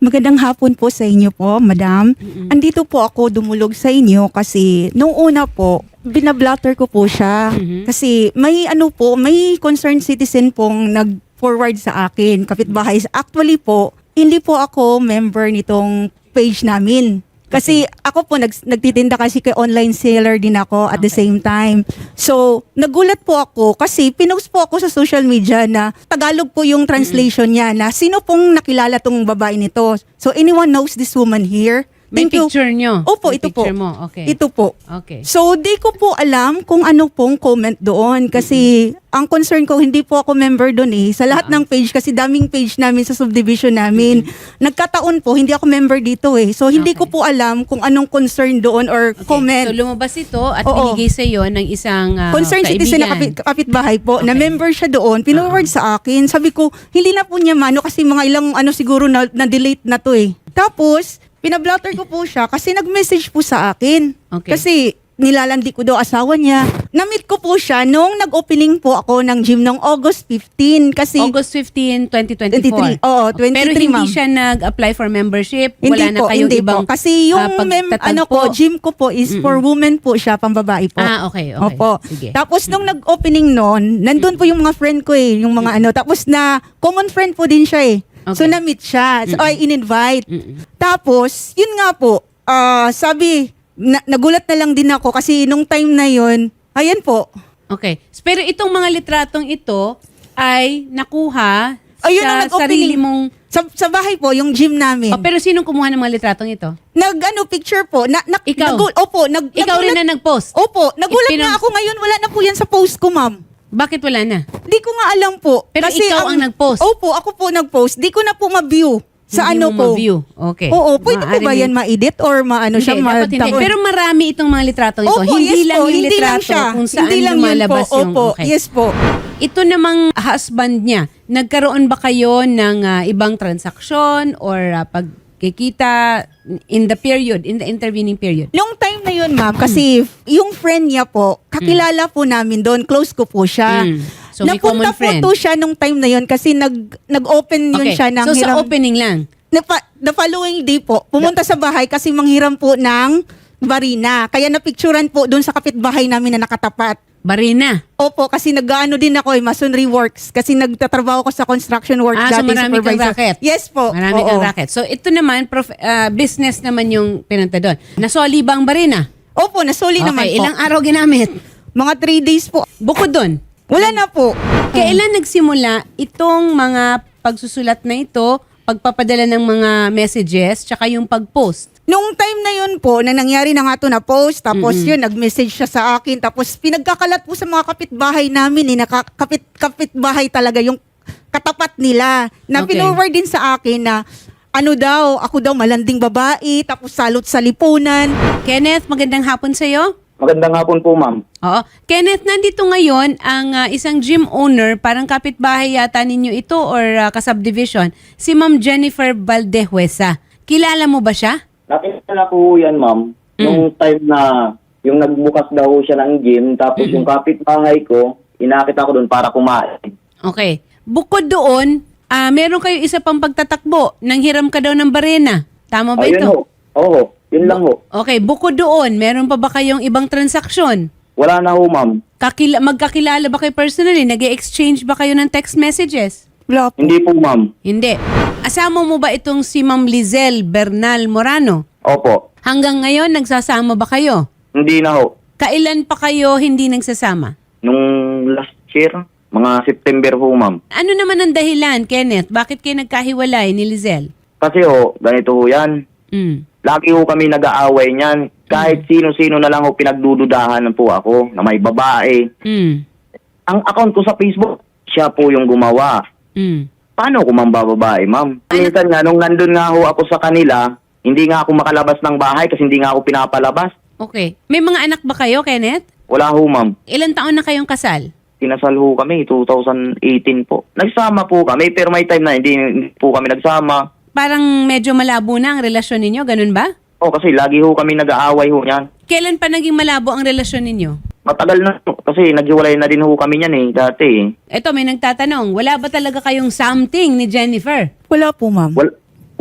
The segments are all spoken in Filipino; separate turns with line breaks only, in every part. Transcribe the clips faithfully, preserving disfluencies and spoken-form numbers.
Magandang hapon po sa inyo po, madam.
Mm-mm.
Andito po ako dumulog sa inyo kasi nung una po, binablotter ko po siya.
Mhm.
Kasi may ano po, may concerned citizen pong nag-forward sa akin, kapitbahay. Actually po, hindi po ako member nitong page namin. Kasi ako po, nag, nagtitinda kasi kay online seller din ako at the
Okay.
same time. So, nagulat po ako kasi pinost po ako sa social media na Tagalog po yung translation niya na sino pong nakilala tong babae nito. So, anyone knows this woman here?
May
Thank you.
picture nyo?
Opo,
May
ito po.
picture mo, okay.
Ito po.
Okay.
So, di ko po alam kung ano pong comment doon kasi ang concern ko, hindi po ako member doon eh. Sa lahat
Ah.
ng page, kasi daming page namin sa subdivision namin. Nagkataon po, hindi ako member dito eh. So, hindi ko
Okay.
po alam kung anong concern doon or
Okay.
comment.
So lumabas ito at
Oo.
binigay sa iyo ng isang uh,
Concerned citizen na kapit, kapitbahay po, na
Okay.
member siya doon, pinoward sa akin. Sabi ko, hindi na po niya mano kasi mga ilang ano siguro na, na-delete na to eh. Tapos, pinablotter ko po siya kasi nag-message po sa akin.
Okay.
Kasi nilalandi ko daw asawa niya. Na-meet ko po siya nung nag-opening po ako ng gym noong August fifteenth. Kasi
August fifteenth, twenty twenty-four.
twenty-three. Oo, twenty-three,
Pero hindi
ma'am.
siya nag-apply for membership?
Hindi
Wala na
po,
kayong
hindi
ibang
po. Kasi yung
ah,
mem,
pagtatagpo?
ano ko, gym ko po is for women po siya, pambabae po.
Ah, okay, okay.
Opo.
Sige.
Tapos nung nag-opening noon, nandun po yung mga friend ko eh, yung mga ano. Tapos na common friend po din siya eh. So
Okay.
na-meet siya. So ay in-invite.
Mm-mm.
Tapos, yun nga po, ah, sabi, na- nagulat na lang din ako kasi nung time na yun, ayan po.
Okay. Pero itong mga litratong ito ay nakuha
Ayun
sa
ang nag-opening.
sarili mong...
Sa, sa bahay po, yung gym namin.
Oh, pero sinong kumuha ng mga litratong ito?
Nag, ano, picture po. Na, na,
Ikaw?
nagul- opo, nag,
Ikaw rin
nagulat-
na nag-post?
Opo, nagulat
Ipinang-
nga ako ngayon. Wala na po yan sa post ko, ma'am.
Bakit wala na?
Di ko nga alam po.
Pero ikaw ang nag-post?
Opo, ako po nag-post. Di ko na po ma-view sa
Hindi
ano
mo
ko.
ma-view. Okay.
Oo, pwede po
Maaari
ba
mo-
yan ma-edit or maano
Hindi,
siya?
dapat hindi.
ma-
Pero marami itong mga litratong ito.
Opo,
hindi
yes
lang
po,
yung
hindi lang
litrato
siya.
kung saan
Hindi lang yun
lumalabas
po.
yung...
Opo,
Okay.
yes po.
Ito namang husband niya, nagkaroon ba kayo ng ah, ibang transaksyon or ah, pagkikita in the period, in the intervening period?
Nung time na yun, ma'am, kasi yung friend niya po, kakilala po namin doon, close ko po siya.
Mm. So, may
Napunta
common friend.
po to siya nung time na yun kasi nag, nag-open yun
Okay.
siya ng
So,
hiram.
sa opening lang.
Na pa- the following day po, pumunta sa bahay kasi manghiram po ng barina. Kaya napicturan po doon sa kapitbahay namin na nakatapat.
Barina.
Opo, kasi nag-ano din ako eh, masonry works. Kasi nagtatrabaho ko sa construction work
Ah, so
dati,
marami kang
supervisor.
racket.
Yes po.
Marami
Oo.
kang racket. So, ito naman, prof- ah, business naman yung pinunta doon. Nasoli ba ang barina?
Opo, nasuli naman
Okay,
po.
ilang araw ginamit?
Mga three days po.
Bukod doon,
Wala na po.
kailan nagsimula itong mga pagsusulat na ito, pagpapadala ng mga messages, tsaka yung pag-post?
Nung time na yun po, na nangyari na nga to na post, tapos yun, nag-message siya sa akin, tapos pinagkakalat po sa mga kapitbahay namin, eh, nakakapit, kapitbahay talaga yung katapat nila, na
Okay.
pinoward din sa akin na, ano daw, ako daw malanding babae, tapos salot sa lipunan.
Kenneth, magandang hapon sa'yo.
Magandang hapon po, ma'am.
Oo. Kenneth, nandito ngayon ang ah, isang gym owner, parang kapitbahay yata ninyo ito or ah, kasubdivision, si Ma'am Jennifer Valdehuesa. Kilala mo ba siya?
Nakilala ko yan, ma'am. Nung time na yung nagbukas daw siya ng gym, tapos yung kapitbahay ko, inakit ako doon para kumain.
Okay. Bukod doon, ah, meron kayo isa pang pagtatakbo. Nang hiram ka daw ng barena. Tama ba
Ayun
ito?
ho. Oo, yun lang ho.
Okay. Bukod doon, meron pa ba kayong ibang transaksyon?
Wala na ho, ma'am.
Kakila- magkakilala ba kayo personally? Nag-exchange ba kayo ng text messages?
Wala po.
Hindi po, ma'am.
Hindi. Asama mo ba itong si Ma'am Lizelle Bernal Morano?
Opo.
Hanggang ngayon, nagsasama ba kayo?
Hindi na ho.
Kailan pa kayo hindi nagsasama?
Nung last year, mga September ho, ma'am.
Ano naman ang dahilan, Kenneth? Bakit kayo nagkahiwalay ni Lizelle?
Kasi ho, ganito ho yan.
Mm.
Lagi ho kami nag-aaway niyan. Kahit sino-sino na lang ho pinagdududahan po ako na may babae.
Mm.
Ang account ko sa Facebook, siya po yung gumawa.
Mm.
Paano ko mambababae, ma'am? Minsan nga, nung nandun nga ho ako sa kanila, hindi nga ako makalabas ng bahay kasi hindi nga ako pinapalabas.
Okay. May mga anak ba kayo, Kenneth?
Wala ho, ma'am.
Ilan taon na kayong kasal?
Kinasal ho kami, two thousand eighteen po. Nagsama po kami, pero may time na hindi, hindi po kami nagsama.
Parang medyo malabo na ang relasyon ninyo, ganun ba?
Oh, kasi lagi ho kami nag-aaway ho niyan.
Kailan pa naging malabo ang relasyon ninyo?
Matagal na ho, kasi naghiwalay na din ho kami niyan eh, dati eh.
Eto, may nagtatanong, wala ba talaga kayong something ni Jennifer?
Wala po, ma'am.
Wal,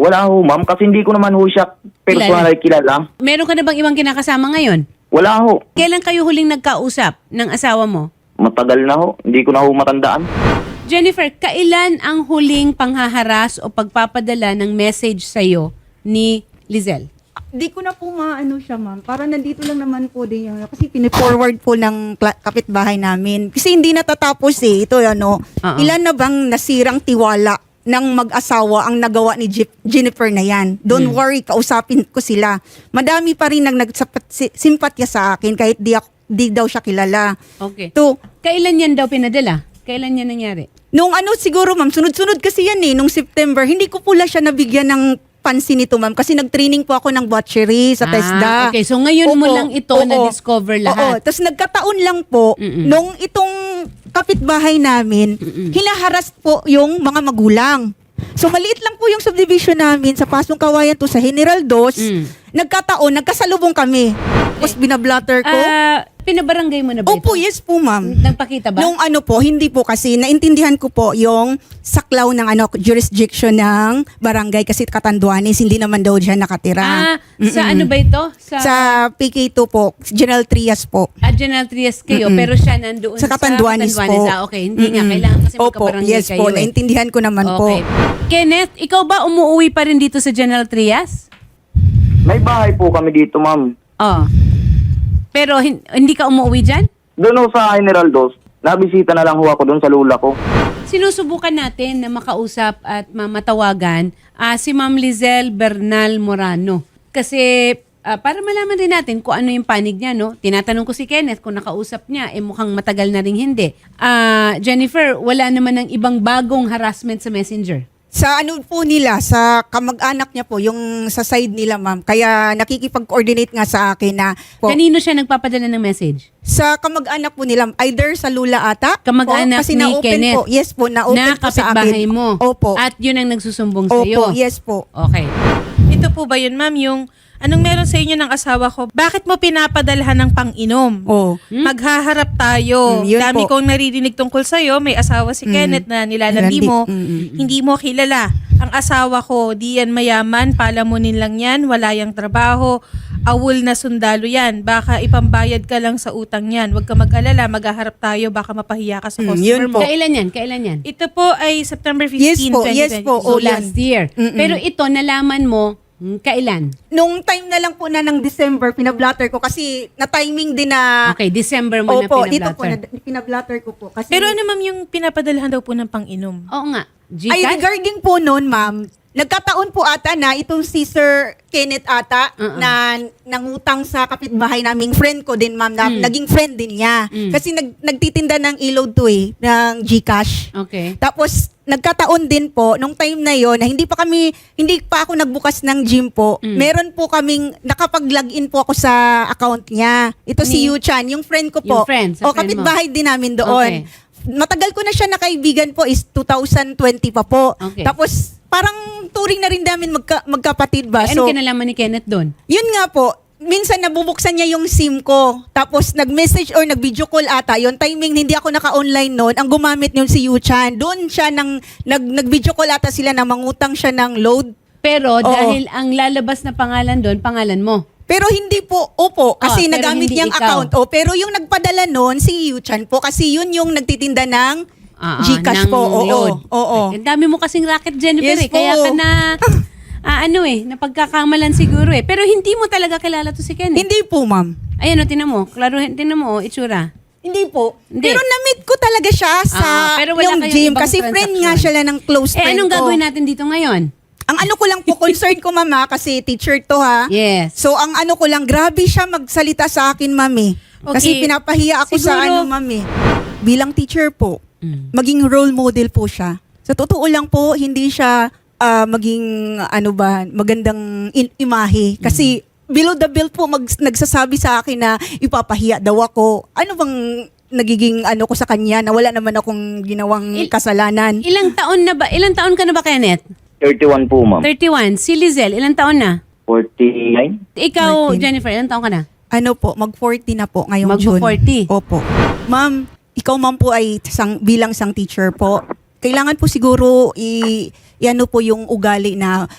Wala ho, ma'am. Kasi hindi ko naman ho siya personal kilala.
Meron ka na bang ibang kinakasama ngayon?
Wala ho.
Kailan kayo huling nagkausap ng asawa mo?
Matagal na ho. Hindi ko na ho matandaan.
Jennifer, kailan ang huling panghaharas o pagpapadala ng message sa'yo ni Lizelle?
Di ko na po maano siya, ma'am. Para nandito lang naman po din yun. Kasi piniforward po ng kla- kapitbahay namin. Kasi hindi natatapos eh. Ito ano,
Oo.
ilan na bang nasirang tiwala ng mag-asawa ang nagawa ni Jip- Jennifer na yan. Don't worry, kausapin ko sila. Madami pa rin nang nagsimpatya sa akin kahit di, ako, di daw siya kilala.
Okay.
To,
Kailan yan daw pinadala? Kailan yan nangyari?
nung ano siguro, ma'am, sunod-sunod kasi yan eh. Nung September, hindi ko pula siya nabigyan ng pansin nito, ma'am. Kasi nag-training po ako ng butchery sa
Ah,
TESDA.
okay. So ngayon mo
Opo,
lang ito
oo.
na-discover
Oo.
lahat.
Tapos nagkataon lang po,
Mm-mm.
nung itong kapitbahay namin, hinaharas po yung mga magulang. So maliit lang po yung subdivision namin sa Pasong Kawayan to sa General Dos.
Mm.
Nagkataon, nagkasalubong kami. Tapos binablatter ko.
Ah, pinabarangay mo na ba
Opo,
ito?
yes po, ma'am.
Nagpakita ba?
Nung ano po, hindi po kasi naintindihan ko po yung saklaw ng ano jurisdiction ng barangay kasi Catanduanes, hindi naman daw diyan nakatira.
Ah, sa
Mm-mm.
ano ba ito? Sa,
Sa P K two po, General Trias po.
ah, General Trias kayo,
Mm-mm.
pero siya nandoon
Sa Catanduanes po.
Ah, okay, hindi nga.
Mm-mm.
Kailangan kasi
Opo,
magkabarangay
yes
kayo.
po,
eh.
naintindihan ko naman
Okay.
po.
Kenneth, ikaw ba umuwi pa rin dito sa General Trias?
May bahay po kami dito, ma'am.
Oh. Pero hin- hindi ka umuwi dyan?
Doon ho sa General Dos, nabisita na lang ho ako doon sa lula ko.
Sinusubukan natin na makausap at mamatawagan ah, si Ma'am Lizelle Bernal Morano. Kasi ah, para malaman din natin kung ano yung panig niya, no? Tinatanong ko si Kenneth kung nakausap niya, eh mukhang matagal na rin hindi. Ah, Jennifer, wala naman ng ibang bagong harassment sa Messenger.
Sa ano po nila, sa kamag-anak niya po, yung sa side nila, ma'am. Kaya nakikipag-coordinate nga sa akin na po,
Kanino siya nagpapadala ng message?
sa kamag-anak po nila, either sa Lula ata.
Kamag-anak
po, kasi
ni
na-open
Kenneth.
Po. Yes po, na-open
Na
po sa akin.
kapitbahay mo.
Opo.
At yun ang nagsusumbong
Opo,
sa'yo.
yes po.
Okay.
Ito po ba yun, ma'am? Yung anong meron sa inyo ng asawa ko? Bakit mo pinapadalhan ng pang-inom?
Oh.
Maghaharap tayo.
Mm, yun
Dami
po.
kong naririnig tungkol sa'yo. May asawa si
Mm.
Kenneth na nilalandi
Nilandi-
mo.
Mm, mm, mm.
Hindi mo kilala. Ang asawa ko, di yan mayaman. Palamunin lang yan. Wala yang trabaho. Awol na sundalo yan. Baka ipambayad ka lang sa utang yan. Huwag ka mag-alala. Maghaharap tayo. Baka mapahiya ka sa
Mm,
customer
yun
mo.
po.
Kailan yan? Kailan yan?
Ito po ay September
Yes
fifteenth,
po, yes po.
So
Oh, yan.
last year.
Mm-mm.
Pero ito, nalaman mo, hmm, kailan?
Nung time na lang po na ng December, pinablatter ko kasi na-timing din na...
Okay, December mo
Opo,
na
dito po,
pinablatter.
na, pinablatter ko po. Kasi,
Pero ano, ma'am, yung pinapadalhan daw po ng pang-inom?
Oo nga.
ay,
Gcash?
regarding po noon, ma'am, nagkataon po ata na itong si Sir Kenneth ata
Uh-uh.
na nangutang sa kapitbahay naming friend ko din, ma'am, na
Mm.
naging friend din niya.
Mm.
Kasi nag, nagtitinda ng ilog to eh, ng Gcash.
Okay.
Tapos, nagkataon din po, nung time na yon na hindi pa kami, hindi pa ako nagbukas ng gym po,
Mm.
meron po kaming, nakapag-login po ako sa account niya. Ito si
Ni-
Yu Chan, yung friend ko po.
Yung friend, sa
o,
friend mo.
kapitbahay din namin doon.
Okay.
Matagal ko na siya nakaibigan po is two thousand twenty pa po.
Okay.
Tapos, parang turing na rin namin magka, magkapatid ba?
Ay, ano kinalaman ni Kenneth doon?
Yun nga po, minsan nabubuksan niya yung SIM ko. Tapos nag-message or nag-video call ata. Yung timing hindi ako naka-online noon. Ang gumamit niyon si Yu-chan. Doon siya nang nag nag-video call ata sila na mangutang siya ng load.
Pero
Oo.
dahil ang lalabas na pangalan doon, pangalan mo.
Pero hindi po, opo, kasi
Oh, pero
nagamit
hindi
niyang
ikaw.
account. O, pero yung nagpadala noon si Yu-chan po kasi yun yung nagtitinda ng
Ah, ah,
Gcash
ng
po. Oo,
load.
oo.
Ay, ang dami mo kasing racket, Jennifer.
Yes
eh. Kaya
po.
ka na, ah, ano eh, napagkakamalan siguro eh. Pero hindi mo talaga kilala to si Kenneth.
Hindi po, ma'am.
Ayan o, tinan mo. Klaro, tinan mo, oh, itsura.
Hindi po.
Hindi.
Pero na-meet ko talaga siya sa
Ah, pero wala
yung
kayong
gym
ibang
kasi friend nga
transaction.
siya lang ng close
Eh,
friend
anong
ko.
gagawin natin dito ngayon?
Ang ano ko lang po, concern ko, mama, kasi teacher to ha.
Yes.
So, ang ano ko lang, grabe siya magsalita sa akin, mami. Kasi
Okay.
pinapahiya ako sa
Siguro-
ano, mami. Bilang teacher po,
Mm.
maging role model po siya. Sa totoo lang po, hindi siya ah, maging, ano ba, magandang in- imahe. Kasi below the belt po, mag- nagsasabi sa akin na ipapahiya daw ako. Ano bang nagiging ano ko sa kanya na wala naman akong ginawang
Il-
kasalanan?
Ilang taon na ba? Ilang taon ka na ba, Kenneth?
thirty-one po, ma'am.
thirty-one. Si Lizelle, ilang taon na?
forty-nine?
Ikaw,
Martin.
Jennifer, ilang taon ka na?
Ano po, mag-forty na po ngayong June.
Mag-forty.
Opo. Ma'am, ikaw ma'am po ay sang, bilang sang teacher po. Kailangan po siguro i, i ano po yung ugali na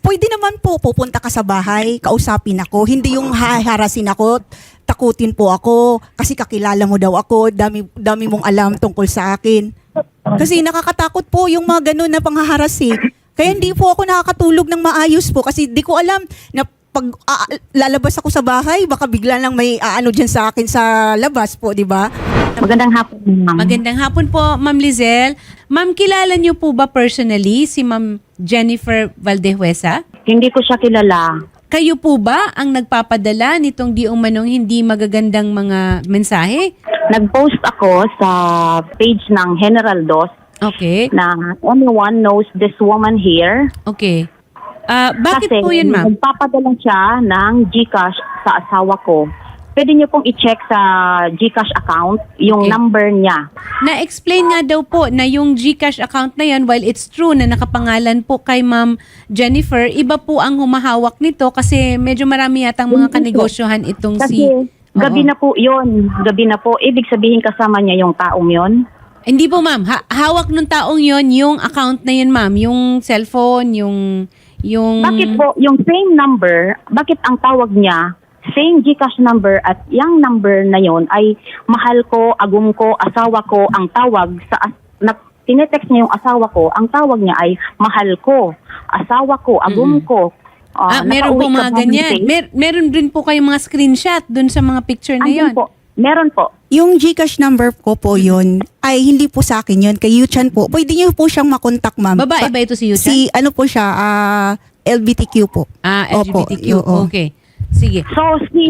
pwede naman po, pupunta ka sa bahay, kausapin ako. Hindi yung haharasin ako, takutin po ako, kasi kakilala mo daw ako, dami, dami mong alam tungkol sa akin. Kasi nakakatakot po yung mga ganun na panghaharas eh. Kaya hindi po ako nakakatulog ng maayos po, kasi di ko alam na pag ah, lalabas ako sa bahay, baka bigla lang may aano dyan sa akin sa labas po, di ba?
Magandang hapon, ma'am.
Magandang hapon po, Ma'am Lizelle. Ma'am, kilala niyo po ba personally si Ma'am Jennifer Valdehuesa?
Hindi ko siya kilala.
Kayo po ba ang nagpapadala nitong di umanong hindi magagandang mga mensahe?
Nag-post ako sa page ng General Dos
Okay.
na anyone knows this woman here.
Okay. Ah, bakit
Kasi
po yun, ma'am?
nagpapadala siya ng GCash sa asawa ko. Pwede niyo pong i-check sa GCash account yung
Okay.
number niya.
Na-explain nga daw po na yung GCash account na yan, while it's true na nakapangalan po kay Ma'am Jennifer, iba po ang humahawak nito kasi medyo marami yatang mga
Hindi po.
kanegosyohan itong
Kasi
si...
gabi
Oo.
na po yun. Gabi na po. Ibig sabihin kasama niya yung taong yun.
Hindi po, ma'am. Ha- hawak nung taong yon yung account na yun, ma'am. Yung cellphone, yung... yung...
Bakit po yung same number, bakit ang tawag niya same GCash number at yung number na yon ay mahal ko, agum ko, asawa ko ang tawag sa as- na, tinetext niya yung asawa ko, ang tawag niya ay mahal ko, asawa ko, agum ko.
Ah,
Ah,
meron po
nakauwi
mga
ka ba
ganyan.
ng
Mer- meron din po kayong mga screenshot dun sa mga picture na
Andun
yon.
po. Meron po.
Yung GCash number ko po yun, ay hindi po sa akin yun, kay Yuchan po. Pwede niyo po siyang makontak, ma'am.
Babae
Pa-
ba ito si Yuchan?
Si ano po siya, ah, L G B T Q po.
Ah, L G B T Q.
Opo, oo.
Okay. Sige.
So si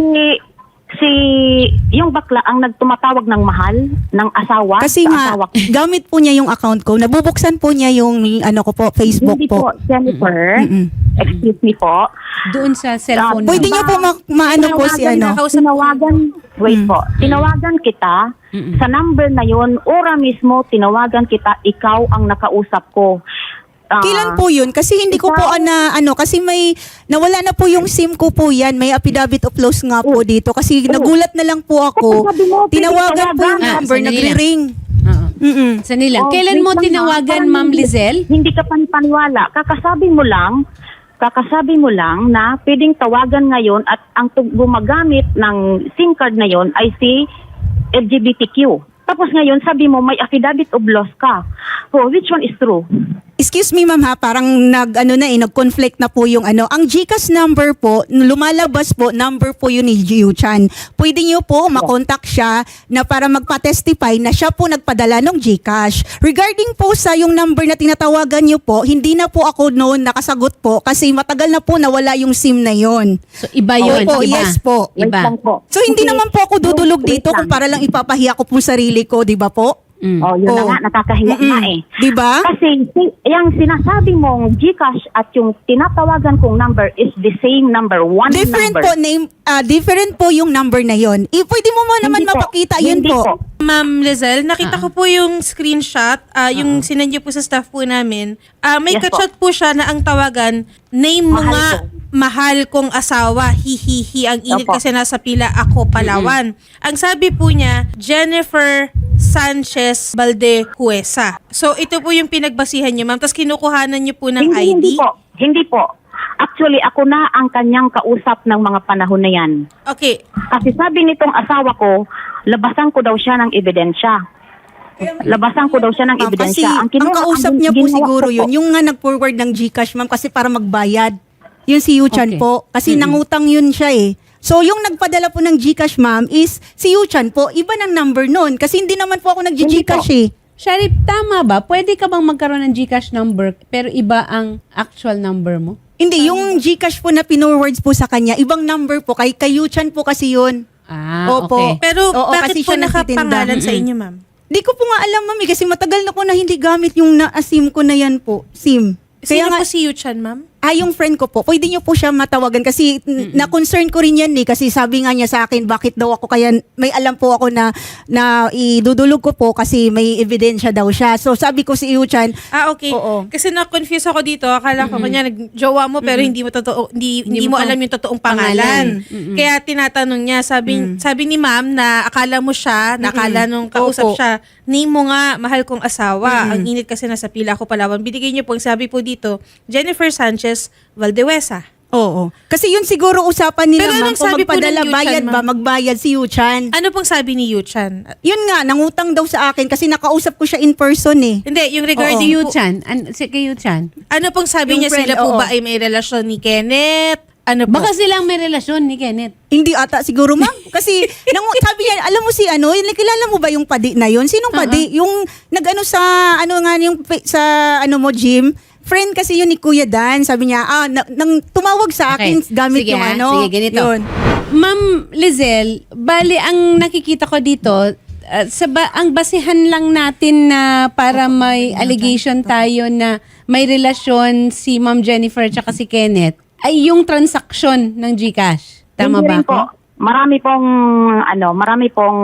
si yung bakla ang nagtumatawag ng mahal ng asawa
Kasi
sa
nga,
asawa ko.
gamit po niya yung account ko. Nabubuksan po niya yung ano ko po, Facebook
Hindi po,
po.
Jennifer.
Mm-mm.
Excuse me po.
Doon sa cellphone.
Ah,
Pwede
mo.
niyo po ma- maano po si
Tinawagan
ano.
na- Tinawagan, wait
Mm.
po. Tinawagan kita
Mm-mm.
sa number na yon, ora mismo tinawagan kita, ikaw ang nakausap ko. Ah,
Kailan po yun? Kasi hindi ko po
ikaw-
na ano, kasi may, nawala na po yung SIM ko po yan. May affidavit of loss nga po dito. Kasi
Oh.
nagulat na lang po ako.
Sabi mo,
Tinawagan po yung
Ah,
number,
sandali lang.
nagre-ring.
Oo.
Mm-mm.
Sandali lang.
Oh,
Kailan
wait
mo
lang,
tinawagan,
ha? Parang
Ma'am
hindi-
Lizelle?
Hindi ka panipaniwala. Kakasabi mo lang, kakasabi mo lang na pwedeng tawagan ngayon at ang tug- gumagamit ng SIM card na yon ay si L G B T Q. Tapos ngayon sabi mo may affidavit of loss ka. So which one is true?
Excuse me ma'am ha, parang nag ano na eh, nag-conflict na po yung ano. Ang GCash number po, lumalabas po, number po yun ni Jiu-chan. Pwede niyo po makontak siya na para magpa-testify na siya po nagpadala ng GCash. Regarding po sa yung number na tinatawagan niyo po, hindi na po ako noon nakasagot po kasi matagal na po nawala yung SIM na yon.
So, iba yun.
Opo,
iba.
yes po.
Wait
Iba.
lang po.
So hindi
Kasi-
naman po ako dudulog
Wait
dito
lang.
kung para lang ipapahiya ko po sarili ko, di ba po?
Mm.
Oh, yun na
Oh.
nga, nakakahiya
Mm-mm.
na eh.
Di ba?
Kasi si- yung sinasabi mong GCash at yung tinatawagan kong number is the same number, one
Different
number.
po name, ah, different po yung number na yon. Eh, pwede mo mo naman
Hindi po.
mapakita yun
Hindi
po.
po.
Ma'am Lizelle, nakita ko po yung screenshot, ah, yung sinend niyo po sa staff po namin. Ah, may
Yes po.
kachat po siya na ang tawagan, name mo
Mahal
nga,
ko.
mahal kong asawa, hihihi, ang init
Opo.
kasi nasa pila ako, Palawan. Ang sabi po niya, Jennifer Sanchez Valdehuesa. So, ito po yung pinagbasihan niyo, ma'am. Tapos kinukuhanan niyo po ng
hindi,
I D.
Hindi po. Hindi po. Actually, ako na ang kanyang kausap ng mga panahon na yan.
Okay.
Kasi sabi nitong asawa ko, labasan ko daw siya ng ebidensya. Labasan ko daw siya ng
Ma'am, kasi
ebidensya.
ang,
kinuha-
kausap
ang
niya po
ginawa
siguro
ko po-
yun, yung nga nag-forward ng GCash, ma'am, kasi para magbayad. Yun si Yuchan
Okay.
po. Kasi nangutang yun siya eh. So, yung nagpadala po ng GCash, ma'am, is si Yuchan po. Iba ng number nun. Kasi hindi naman po ako nag-GCash eh.
Sharif, tama ba? Pwede ka bang magkaroon ng GCash number pero iba ang actual number mo?
Hindi, yung GCash po na pinorwards po sa kanya, ibang number po. Kay, kay Yuchan po kasi yun.
Ah,
Opo.
okay.
Pero
Oo,
bakit
kasi
po
siya nagtitinda.
nakapangalan sa
Mm-mm.
inyo, ma'am?
Di ko po nga alam, ma'am, eh, kasi matagal na ko na hindi gamit yung na-SIM ko na yan po. SIM.
Sino
nga,
po si Yuchan, ma'am?
Ah, yung friend ko po, pwede niyo po siya matawagan kasi n- na-concern ko rin yan eh kasi sabi nga niya sa akin bakit daw ako kaya may alam po ako na na idudulog ko po kasi may ebidensya daw siya. So sabi ko si Yuchan,
Ah, okay.
Oo.
Kasi na-confuse ako dito. Akala ko kanya nag-jowa mo pero hindi mo totoo hindi, hindi,
Hindi
mo
mo
alam yung totoong pangalan.
pangalan. Mm-mm.
Kaya tinatanong niya, sabi sabi ni ma'am na akala mo siya, na akala nung kausap
Opo.
siya, name mo nga mahal kong asawa. Ang init kasi nasa pila ko Palawan. Binigay niyo po ang sabi po dito, Jennifer Sanchez Marcos Valdewesa.
Oo. Kasi yun siguro usapan nila,
Pero
ma'am,
anong
kung
sabi po ng
magpadala,
Yuchan,
bayad ba,
ma'am?
magbayad si Yuchan.
Ano pong sabi ni Yuchan?
Yun nga, nangutang daw sa akin kasi nakausap ko siya in person eh.
Hindi, yung
Si
regarding po,
Yuchan. An- si kay Yuchan.
ano pong sabi
Yung
niya,
friend,
sila po
oo.
ba ay may relasyon ni Kenneth? Ano po?
Baka silang may relasyon ni Kenneth.
Hindi ata siguro, ma'am. Kasi nangu- sabi niya, alam mo si ano, yung kilala mo ba yung padi na yun? Sinong padi? Yung nag-ano sa, ano nga yung pa- sa ano mo, gym? Friend kasi yun ni Kuya Dan. Sabi niya, ah, na- nang tumawag sa akin gamit
Sige,
yung
ha?
ano.
Sige, ganito.
Yun.
Ma'am Lizelle, bali ang nakikita ko dito, uh, sa ba- ang basihan lang natin na para may allegation tayo na may relasyon si Ma'am Jennifer tsaka si Kenneth ay yung transaction ng GCash. Tama
Hindi
ba
rin
ako?
po. Marami pong, ano, marami pong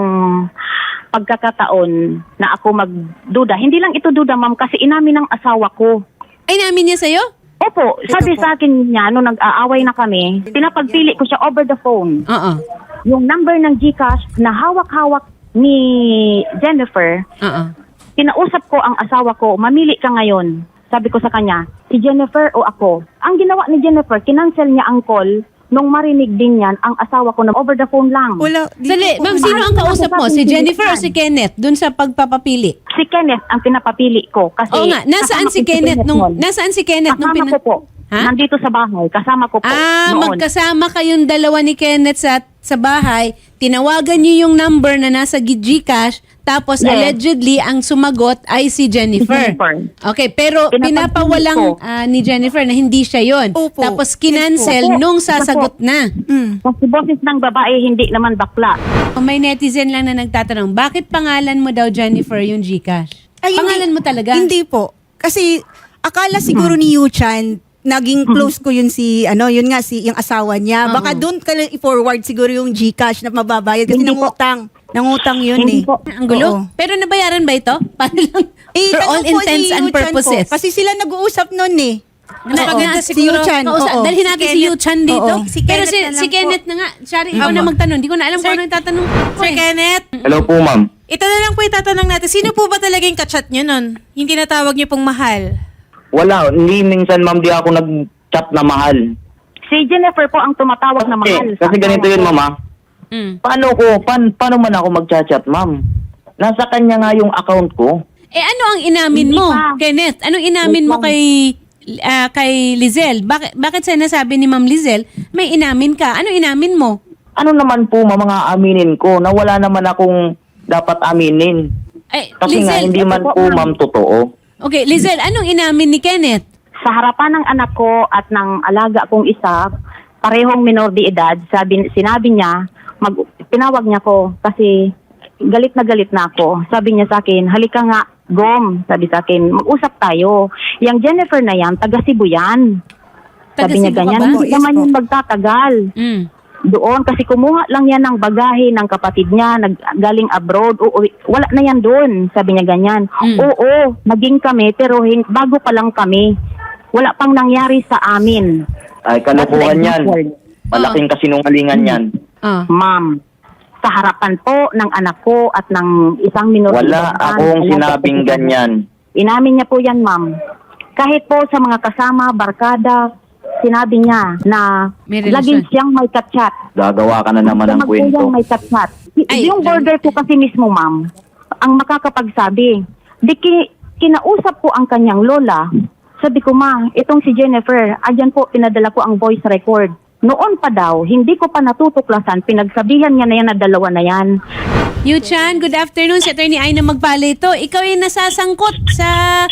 pagkakataon na ako magduda. Hindi lang ito duda, ma'am, kasi inamin ng asawa ko.
Ay, namin niya sa'yo?
Opo, sabi sa akin niya, nung nag-aaway na kami, pinapagpili ko siya over the phone.
Oo.
Yung number ng GCash na hawak-hawak ni Jennifer,
Oo.
pinausap ko ang asawa ko, mamili ka ngayon. Sabi ko sa kanya, si Jennifer o ako. Ang ginawa ni Jennifer, kinancel niya ang call nung marinig din yan ang asawa ko na over the phone lang.
Wala. di
Sali,
ko po
ma'am,
ma-
sino ang kausap mo? Si Jennifer o si Kenneth dun sa pagpapapili?
Si Kenneth ang pinapapili ko kasi
Oo nga, nasaan
kasama
si
ko
Kenneth nung
noon.
nasaan si Kenneth nung
Kasama
pina-
ko po.
Ha?
Nandito sa bahay, kasama ko po
Ah,
noon.
magkasama kayong dalawa ni Kenneth sa sa bahay, tinawagan niyo yung number na nasa G- GCash, tapos
Yes.
allegedly ang sumagot ay si Jennifer.
Jennifer.
Okay, pero
Pinapagpili
pinapawalang
ko.
ah, ni Jennifer na hindi siya yon.
Opo.
Tapos kinancel
Yes po.
nung sasagot na.
Mm.
Kasi boses ng babae, hindi naman bakla.
May netizen lang na nagtatanong, bakit pangalan mo daw Jennifer yung GCash?
Ay,
Pangalan
hindi-
mo talaga?
Hindi po. Kasi akala siguro ni Yuchan, naging close ko yun si, ano, yun nga, si yung asawa niya. Baka doon ka lang i-forward siguro yung GCash na mababayad kasi
Hindi po.
nangutang. Nangutang yun
Hindi
eh.
po.
Ang gulo.
Oo.
Pero nabayaran ba ito? Para lang,
Eh,
for
tanong
all
po si
intents and
Yuchan
purposes.
Po, kasi sila nag-uusap nun eh.
Mas maganda
si
siguro,
Yuchan.
Kausa,
oo.
dalhin natin si,
Si Kenneth.
Yuchan dito.
Oo.
Si
Pero
Kenneth
si,
na lang
si
po.
Kenneth na nga. Shari, ikaw
Ama.
na magtanong. Hindi ko na alam kung
Sir-
ano yung tatanong ko.
Sir
eh.
Kenneth,
Hello po, ma'am.
ito na lang po itatanong natin. Sino po ba talaga yung kachat nyo nun? Yung tinatawag nyo pong mahal?
Wala, hindi minsan, ma'am, di ako nag-chat na mahal.
Si Jennifer po ang tumatawag na mahal.
Eh, kasi ganito yun, mama.
Mm.
Paano ko, pan, paano man ako mag-chat, ma'am? Nasa kanya nga yung account ko.
Eh ano ang inamin
Hindi
mo,
pa.
Kenneth? Anong inamin mo
Wait lang.
kay ah, kay Lizelle? Bakit bakit sinasabi ni Ma'am Lizelle may inamin ka? Ano inamin mo?
Ano naman po, ma- mga aminin ko, na wala naman akong dapat aminin.
Eh,
Kasi nga,
Lizelle,
hindi man
ito po,
po,
ma'am.
ma'am, totoo.
okay, Lizelle, anong inamin ni Kenneth?
Sa harapan ng anak ko at ng alaga kong isa, parehong minor de edad, sabi, sinabi niya, mag, tinawag niya ko kasi galit na galit na ako. Sabi niya sa akin, halika nga, Gom, sabi sa akin, mag-usap tayo. Yang Jennifer na yan, taga Cebu yan.
Taga
Sabi niya
Cebu ka
ganyan,
ba?
hindi
Yes
naman
po.
yun magtatagal.
Mm.
Doon, kasi kumuha lang yan ng bagahe ng kapatid niya, nag, galing abroad, uuwi. Wala na yan doon, sabi niya ganyan.
Mm.
Oo, naging kami, pero hin- bago pa lang kami. Wala pang nangyari sa amin.
Ay, kalokohan yan. Malaking kasinungalingan yan.
Ah.
Ma'am, sa harapan po ng anak ko at ng isang minor de
Wala
edad,
akong
alaga
sinabing
ko-
ganyan.
Inamin niya po yan, ma'am. Kahit po sa mga kasama, barkada, sinabi niya na
May relasyon.
laging siyang may kachat.
Gagawa ka na naman ng kwento.
Magkulang may kachat.
Ay,
Yung
ay.
border ko kasi mismo, ma'am, ang makakapagsabi. Di ki, kinausap ko ang kanyang lola. Sabi ko, ma, itong si Jennifer, adyan po, pinadala ko ang voice record. Noon pa daw, hindi ko pa natutuklasan, pinagsabihan niya na yan na dalawa na yan.
Yuchan, good afternoon. Si Attorney Aina Magpalito. Ikaw ay nasasangkot sa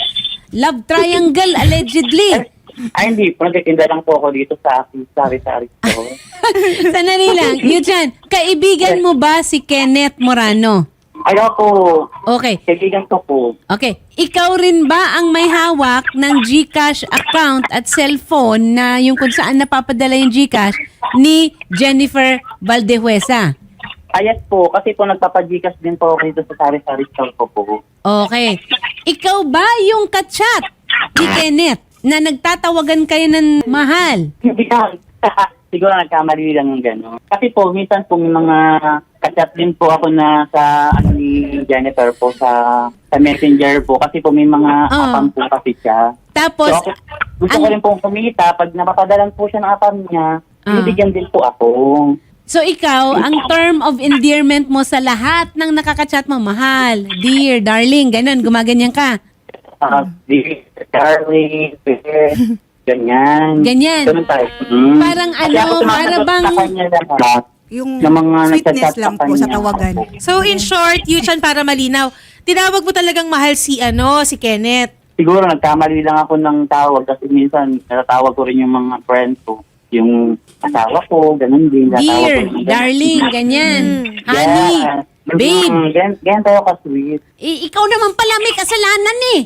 love triangle allegedly.
Ay, hindi. Nagtitinda lang po ako dito sa aking sari-sari store.
Sanali lang. Yuchan, kaibigan mo ba si Kenneth Morano?
Ayaw po.
Okay.
Kaibigan ko po.
Okay. Ikaw rin ba ang may hawak ng GCash account at cellphone na yung kung saan napapadala yung GCash ni Jennifer Valdehuesa?
Ayat po. Kasi po nagpapagikas din po ako dito sa sari-sari store ko po.
Okay. Ikaw ba yung kachat ni Kenneth na nagtatawagan kayo ng mahal?
Hindi lang. Siguro nagkamali lang yung gano'n. Kasi po, minsan po may mga Kachat din po ako na sa ano ni Jennifer po sa sa Messenger po kasi po may mga
Ah.
apam po kasi siya.
Tapos,
So, ako, gusto ko
ang-
rin pong kumita. Pag napapadalan po siya ng apam niya,
Ah.
binibigyan din po ako.
so ikaw, ang term of endearment mo sa lahat ng nakakachat mo, mahal, dear, darling, ganun, gumaganyan ka.
Uh, dear Charlie, dear, ganyan.
Ganyan.
Ganun tayo. Mm.
Parang
Kasi
ano,
ako sumasagot
para bang-
sa kanya lahat.
Yung
Ng mga
sweetness
nagchat sa
lang po sa
kanya.
tawagan.
So in short, Yuchan, para malinaw, tinawag mo talagang mahal si ano, si Kenneth.
Siguro nagkamali lang ako ng tawag kasi minsan natatawag ko rin yung mga friends ko. Yung asawa ko, ganun din. Natawag
Dear,
ko rin.
darling, ganyan.
Mm.
Honey,
Yeah.
babe.
Mm, gan, gan tayo ka-sweet.
I- ikaw naman pala may kasalanan eh.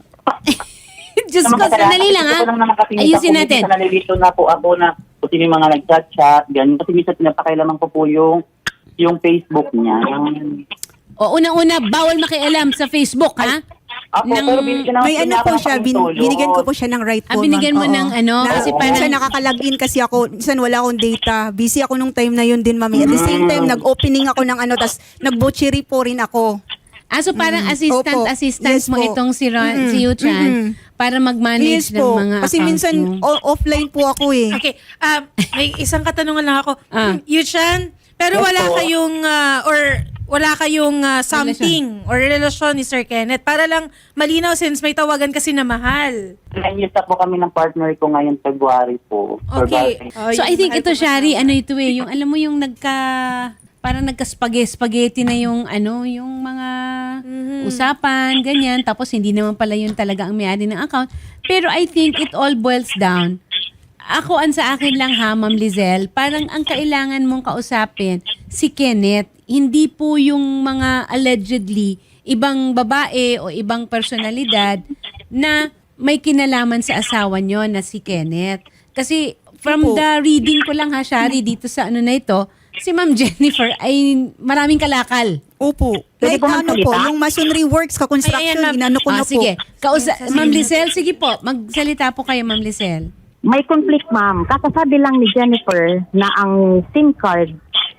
Diyos ko,
Naman
sandali lang ha.
Gusto ko lang naman kasi minsan
Ayusin
po,
natin.
minsan nalilito na po ako na kung sino yung mga nag-chat-chat, ganun. Kasi minsan pinapakailaman ko po yung yung Facebook niya. Yung,
O unang-una, bawal makialam sa Facebook ha.
ako,
Nang-
pero binigyan ako
May ano
niya
po
ako
siya,
ng
bin,
pantulot.
binigyan ko po siya ng right
Ah,
phone.
binigyan mo
ma'am.
ng
Oo.
ano,
Na,
kasi
kasi
parang-
nakakalagin kasi ako, minsan wala akong data. Busy ako nung time na yun din, mami. At the same time,
Mm.
nag-opening ako ng ano, tas nag-butchery po rin ako.
Ah, so parang
Mm,
assistant,
opo.
assistant
Yes
mo
po.
itong si, Ron,
Mm-mm,
si Yuchan
mm-mm.
para mag-manage
Yes
ng
po.
mga
Kasi
accounts
minsan,
mo.
o- offline po ako eh.
Okay, um, may isang katanungan lang ako.
Ah.
Yuchan, pero
Yes
wala
po.
kayong, ah, or wala kayong ah, something or relasyon ni Sir Kenneth. Para lang malinaw since may tawagan kasi na mahal.
Nine years na po kami ng partner ko ngayon, February po.
Okay.
February.
Oh,
So
yung
I think
mahal
ito,
ko
Shari,
kasama.
ano ito eh, yung alam mo yung nagka, parang nagka-spaghetti na yung ano, yung mga
Mhm.
usapan, ganyan. Tapos hindi naman pala yun talaga ang may-ari ng account. Pero I think it all boils down. Ako, ang sa akin lang ha, Ma'am Lizelle, parang ang kailangan mong kausapin, si Kenneth, hindi po yung mga allegedly ibang babae o ibang personalidad na may kinalaman sa asawa nyo na si Kenneth. Kasi from
Opo.
the reading ko lang ha, Shari, dito sa ano na ito, si Ma'am Jennifer ay maraming kalakal.
Opo.
Pwede
Like
po
ano po,
magsalita?
yung masonry works,
Ay,
ka-construction,
ayan, ma'am.
inano ko
Ah,
na po.
sige. Kausa- Ma'am Lizelle, sige po. Magsalita po kayo, Ma'am Lizelle.
May conflict, ma'am. Kakasabi lang ni Jennifer na ang SIM card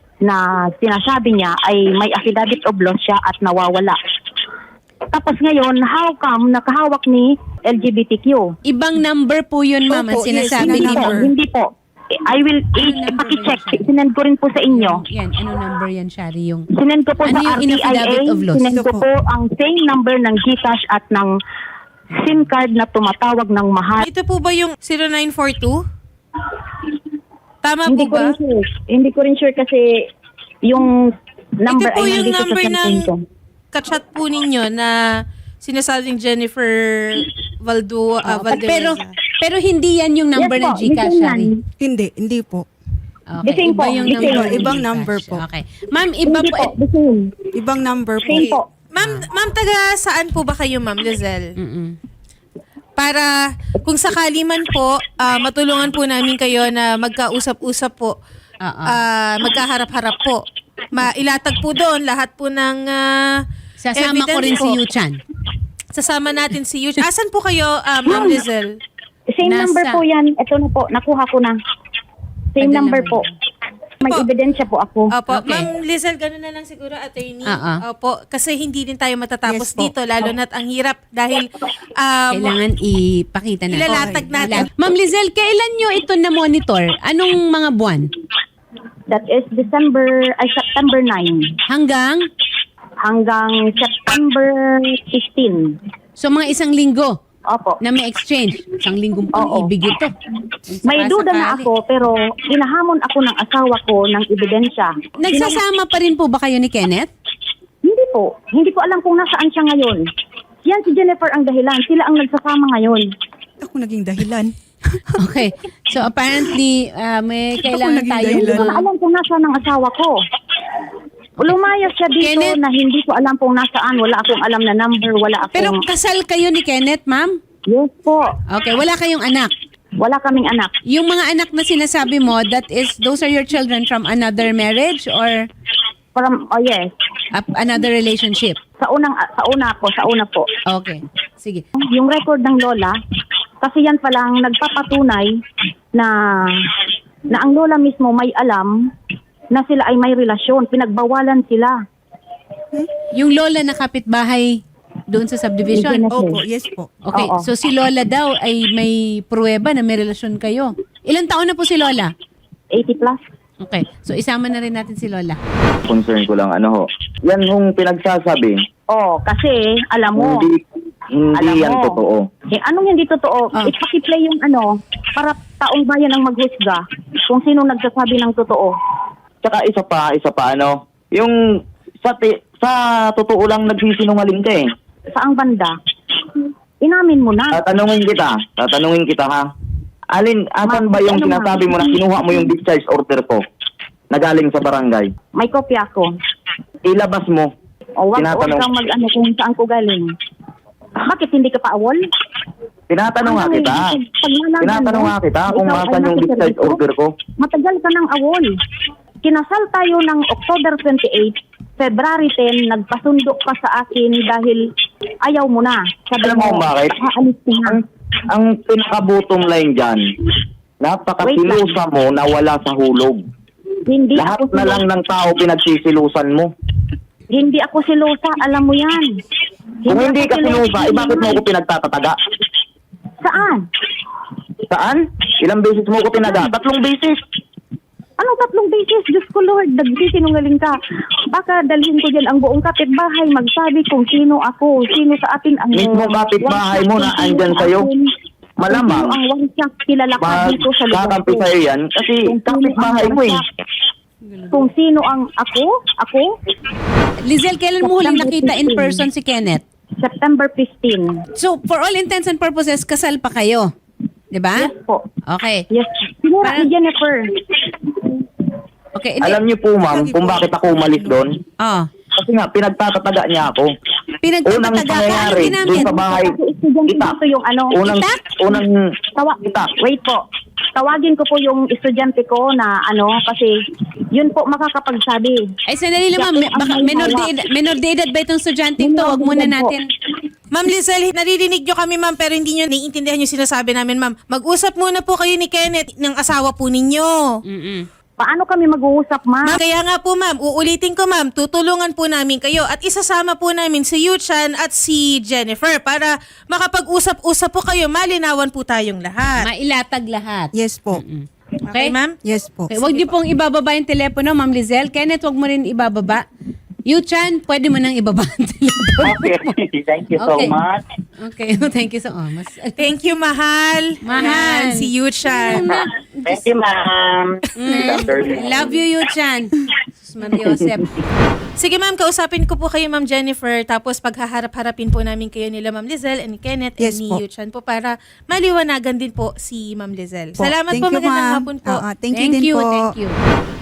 na sinasabi niya ay may affidavit of loss siya at nawawala. Tapos ngayon, how come nakahawak ni L G B T Q?
Ibang number po yun, Ma'am, ang
Opo, yes,
sinasabi
yun
ni
ang
Hindi po,
Ma'am.
number.
hindi po. I will
Ano
i-
number
ipaki-check.
ba yun?
Sinend ko rin po sa inyo.
Yan, ano number yan, Shari? Yung
Sinend ko po
Ano
sa
yung
R T I A.
in-affidavit of loss?
Sinend
Ito
ko
po.
po ang same number ng GCash at ng SIM card na tumatawag ng mahal.
Ito po ba yung zero nine four two? Tama
Hindi
po
ko
ba?
rin sure. Hindi ko rin sure kasi yung number
Ito po
ay
yung
nandito sa
number ng
cellphone ko.
kachat po ninyo na sinasabing Jennifer Valdo, uh,
pero
Valdemeza.
pero hindi yan yung number
Yes
ng
po,
GCash,
the same
Shari.
yan.
Hindi, hindi po.
Okay,
The same
iba
po,
yung
the
number.
same.
ng
Ibang
GCash.
number po.
Okay. Ma'am, iba
Hindi
po.
po, the same.
Ibang number po.
Same po.
Ma'am, ma'am, taga saan po ba kayo, Ma'am Lizelle?
Mm-mm.
Para kung sakali man po, ah, matulungan po namin kayo na magkausap-usap po.
Oo.
Ah, magkaharap-harap po. Mailatag po doon lahat po ng ah,
Sasama ko
evidence
rin si
po.
Yuchan.
Sasama natin si Yuchan. Asan po kayo, ah, Ma'am Lizelle?
Same
Nasa-
number po yan. Ito na po, nakuha ko na. Same
Padala
number
mo
po.
na.
May
Po.
ebidensya po ako.
Opo,
Okay.
Ma'am Lizelle, gano'n na lang siguro, attorney.
Oo.
Opo, kasi hindi din tayo matatapos
Yes po.
dito, lalo na't ang hirap dahil um,
Kailangan ipakita natin.
ilalatag natin.
Ma'am Lizelle, kailan nyo ito na-monitor? Anong mga buwan?
That is December, ay September ninth
Hanggang?
hanggang September fifteenth.
So mga isang linggo
Opo.
na may exchange. Isang linggong
Oo.
pang-ibig ito.
May duda na
Sakali.
ako pero hinahamon ako ng asawa ko ng ebidensya.
Nagsasama pa rin po ba kayo ni Kenneth?
Hindi po. Hindi ko alam kung nasaan siya ngayon. Yan si Jennifer ang dahilan. Sila ang nagsasama ngayon.
Ako naging dahilan.
Okay. So apparently, ah, may kailangan
naging
tayo.
dahilan.
Hindi ko na alam kung nasaan ang asawa ko. Lumayas siya dito
Kenneth?
na hindi ko alam kung nasaan. Wala akong alam na number. Wala akong...
Pero kasal kayo ni Kenneth, ma'am?
Yes po.
Okay. Wala kayong anak?
Wala kaming anak.
Yung mga anak na sinasabi mo, that is, those are your children from another marriage or
From, oh yes.
a- another relationship?
Sa unang, sa una po, sa una po.
Okay. Sige.
Yung record ng lola, kasi yan palang nagpapatunay na na ang lola mismo may alam na sila ay may relasyon. Pinagbawalan sila.
Yung lola na kapitbahay doon sa subdivision?
Yes.
Opo, yes po.
Okay,
Oo.
so si lola daw ay may pruweba na may relasyon kayo. Ilang taon na po si lola?
eighty plus.
Okay, so isama na rin natin si lola.
Concern ko lang, ano ho. Yan yung pinagsasabi,
Oh, kasi alam mo,
hindi, hindi
alam
yan
mo,
totoo.
Eh, anong hindi totoo?
Ah.
Ipakiplay yung ano, para taong bayan ang maghusga kung sino nagsasabi ng totoo.
Tsaka isa pa, isa pa, ano, yung sa, ti- sa totoo lang nagsisinungaling ka eh.
Saang banda? Inamin mo na.
Tatanungin kita, tatanungin kita ha. Alin, asan
Ma-
ba yung
ano,
sinasabi
ma'am?
mo na kinuha mo yung discharge order ko na galing sa barangay?
May kopya ko.
Ilabas mo.
O wag, wag
Tinatanong-
kang mag-ano kung saan ko galing. Bakit hindi ka pa awol?
Tinatanong nga
Ano,
kita.
pag nalaman
Tinatanong
mo,
nga kita kung
ikaw ay
asan yung
nasa
discharge
servisyo,
order ko.
Matagal ka ng awol. Kinasal tayo ng October twenty-eight, February ten, nagpasundo ka sa akin dahil ayaw mo na. Sabi
Alam mo kung bakit?
Aalis ka na.
Ang, ang pinaka-bottom line dyan, napakasilusa mo na wala sa hulog.
Hindi
Lahat
ako
na lang ng tao pinagsisilusan mo.
Hindi ako silosa, alam mo yan.
Kung hindi
ako
ka silusa, eh bakit mo ako pinagtatataga?
Saan?
Saan? Ilang beses mo ako tinaga? Tatlong beses.
Anong tatlong beses? Diyos ko Lord, nagsisinungaling ka. Baka dalhin ko dyan ang buong kapitbahay, magsabi kung sino ako, sino sa atin ang...
Mismo kapitbahay mo na
Kung sino
andyan
sa
sa'yo.
atin,
Malamang,
kung sino ang wangsak kilala ka dito sa lugar
magkakampi
ko.
sa'yo yan kasi
Kung sino
kapitbahay
ang
mo eh.
wangsak. Kung sino ang ako, ako,
Lizelle, kailan mo huling nakita in person si Kenneth?
September fifteenth.
So, for all intents and purposes, kasal pa kayo. 'Di ba?
Yes po.
Okay.
Yes. Sinura
Parang-
ni Jennifer.
Okay. Hindi.
Alam niyo po ma'am kung bakit ako umalis doon?
Oh.
Kasi nga, pinagtatataga niya ako. Unang
Pinagtatataga ka, ano
pangyayari
ginamit?
doon sa bahay,
Kasi estudyante
itak.
dito yung ano.
Unang,
Itak?
unang,
Tawa,
itak.
wait po. Tawagin ko po yung estudyante ko na ano, kasi yun po makakapagsabi.
Ay, sandali lang, ma'am.
Siya po ang
Baka
may
menor de,
hawak.
edad, menor de edad ba itong estudyanteng to?
Menor
Huwag
de
muna
edad po.
natin.
Ma'am Lizelle, naririnig nyo kami ma'am pero hindi nyo naiintindihan yung sinasabi namin ma'am. Mag-usap muna po kayo ni Kenneth ng asawa po ninyo.
Mm-mm.
Paano kami mag-uusap, ma?
Ma'am, kaya nga po ma'am, uulitin ko ma'am, tutulungan po namin kayo at isasama po namin si Yuchan at si Jennifer para makapag-usap-usap po kayo, malinawan po tayong lahat.
Mailatag lahat.
Yes po.
Okay, ma'am?
Yes po.
Okay, wag niyo pong ibababa yung telepono, Ma'am Lizelle. Kenneth, wag mo rin ibababa. Yuchan, pwede mo nang ibaba ang telepono.
Okay, thank you so
Okay.
much.
Okay, thank you so much.
Thank you, mahal.
Mahal.
Yan, si Yuchan.
Thank you, ma'am.
Mm, love you, Yuchan. Sus Maria Joseph.
Sige ma'am, kausapin ko po kayo ma'am Jennifer tapos paghaharap-harapin po namin kayo nila ma'am Lizelle and Kenneth
Yes
and ni
po.
Yuchan po para maliwanagan din po si ma'am Lizelle.
Po.
Salamat
Thank
po,
you,
magandang
ma'am.
hapon po.
Oo, thank you
Thank
din
you,
po.
thank you.